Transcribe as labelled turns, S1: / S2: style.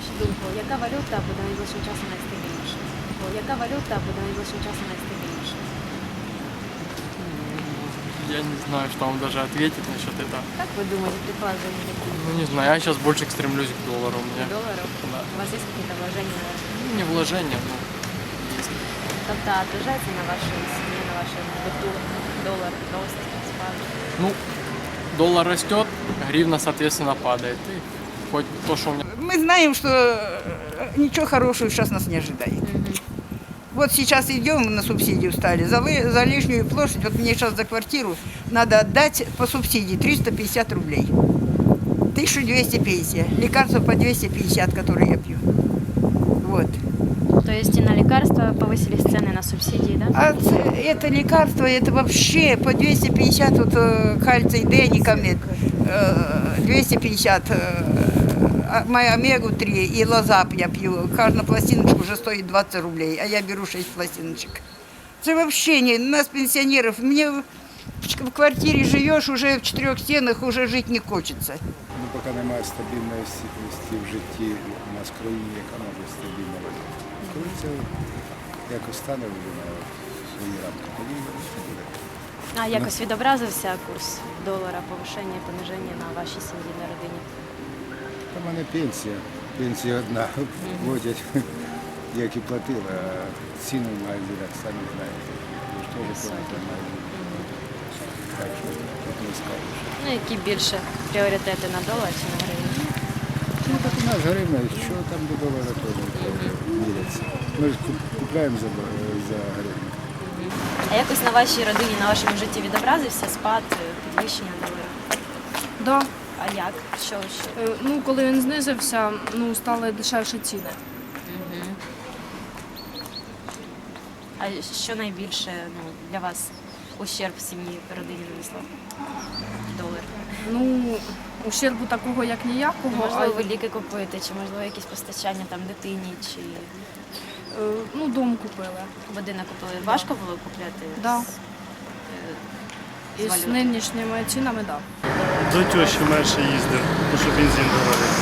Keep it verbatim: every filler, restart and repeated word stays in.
S1: вашу думку, яка валюта буде найближчим часом найстабільніша? Яка валюта буде найближчим часом найстабільніша?
S2: Я не знаю, что вам даже ответить насчет этого.
S1: Как вы думаете, предположения какие?
S2: Ну, не знаю, я сейчас больше стремлюсь к доллару у меня.
S1: Долларов?
S2: Да.
S1: У вас есть какие-то вложения?
S2: Ну, не вложения, но есть.
S1: Тобто отражается на вашей семье, на вашем быту доллар, рост, спад?
S2: Ну, доллар растет, гривна, соответственно, падает. И хоть то, что у меня...
S3: Мы знаем, что э, ничего хорошего сейчас нас не ожидает. Вот сейчас идем на субсидию стали. За, ли- за лишнюю площадь, вот мне сейчас за квартиру надо отдать по субсидии триста пятьдесят рублей. тысяча двести пенсия. Лекарства по двести пятьдесят, которые я пью. Вот.
S1: То есть и на лекарства повысились цены на субсидии, да?
S3: А ц- это лекарство, это вообще по двести пятьдесят, вот э, кальций Д, никомет, э, двести пятьдесят, э, а- моя омегу три и лозап я пью. Каждая пластиночка уже стоит двадцать рублей, а я беру шесть пластиночек. Это вообще не, нас пенсионеров, мне в, в квартире живешь, уже в четырех стенах, уже жить не хочется.
S4: Ну, поки немає стабільності в житті у нас в країні, яка може стабільна валюта. Коли це якось стане вже на свої рамки, тоді це буде.
S1: А якось відобразився курс долара, повишення, пониження на вашій сім'ї, на родині?
S4: У мене пенсія, пенсія одна, платять, як і платили, а ціну в магазинах, самі знаєте, ви ж теж платите в магазинах. Так що тут не скажеш.
S1: Ну, які більше пріоритети на долар чи на гривню?
S4: Ну, так у нас гривня, що там до долара теж міряться. Ми ж куп- купляємо за, до- за гривню.
S1: А якось на вашій родині, на вашому житті відобразився спад, підвищення долара?
S5: Да.
S1: А як? Що ще?
S5: Е, Ну, коли він знизився, ну, стали дешевші ціни.
S1: А що найбільше ну, для вас ущерб в сім'ї, родині нанесло? Долар.
S5: Ну, ущербу такого, як ніякого.
S1: Можливо, ви
S5: а,
S1: ліки купуєте, чи можливо якісь постачання там дитині, чи
S5: е, ну, дом купили.
S1: будинок купили. Важко було купляти?
S5: Да.
S1: з, е, з
S5: І з
S1: валюти?
S5: нинішніми цінами, так. Да.
S6: До тещі менше їздив, тому що бензин дорогий.